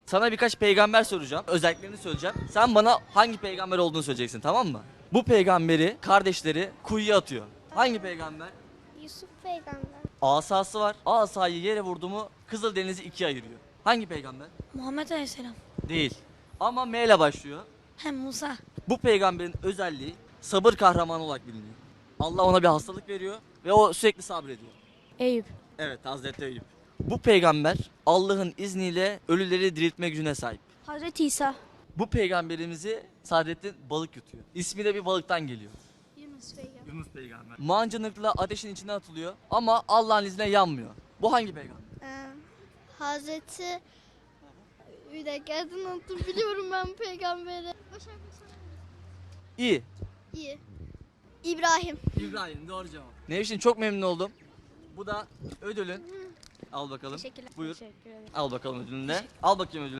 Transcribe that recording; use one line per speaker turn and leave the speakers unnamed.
Sana birkaç peygamber soracağım. Özelliklerini söyleyeceğim. Sen bana hangi peygamber olduğunu söyleyeceksin, tamam mı? Bu peygamberi kardeşleri kuyuya atıyor. Hangi peygamber?
Yusuf peygamber.
Asası var. Asayı yere vurdu mu Kızıldeniz'i ikiye ayırıyor. Hangi peygamber?
Muhammed Aleyhisselam.
Değil. Ama M ile başlıyor.
Hem Musa.
Bu peygamberin özelliği sabır kahramanı olarak biliniyor. Allah ona bir hastalık veriyor ve o sürekli sabrediyor.
Eyüp.
Evet, Hazreti Eyüp. Bu peygamber Allah'ın izniyle ölüleri diriltme gücüne sahip.
Hazreti İsa.
Bu peygamberimizi Saadettin balık yutuyor. İsmi de bir balıktan geliyor.
Yunus peygamber.
Yunus peygamber. Mancınıkla ateşin içine atılıyor ama Allah'ın izniyle yanmıyor. Bu hangi peygamber?
Hazreti bir dakika adını unuttum, biliyorum ben peygamberi.
İyi.
İyi. İbrahim.
İbrahim, doğru cevap. Nevşin, çok memnun oldum. Bu da ödülün. Al bakalım.
Teşekkürler.
Buyur.
Teşekkür ederim.
Al bakalım ödülünü de. Al bakayım ödülünü.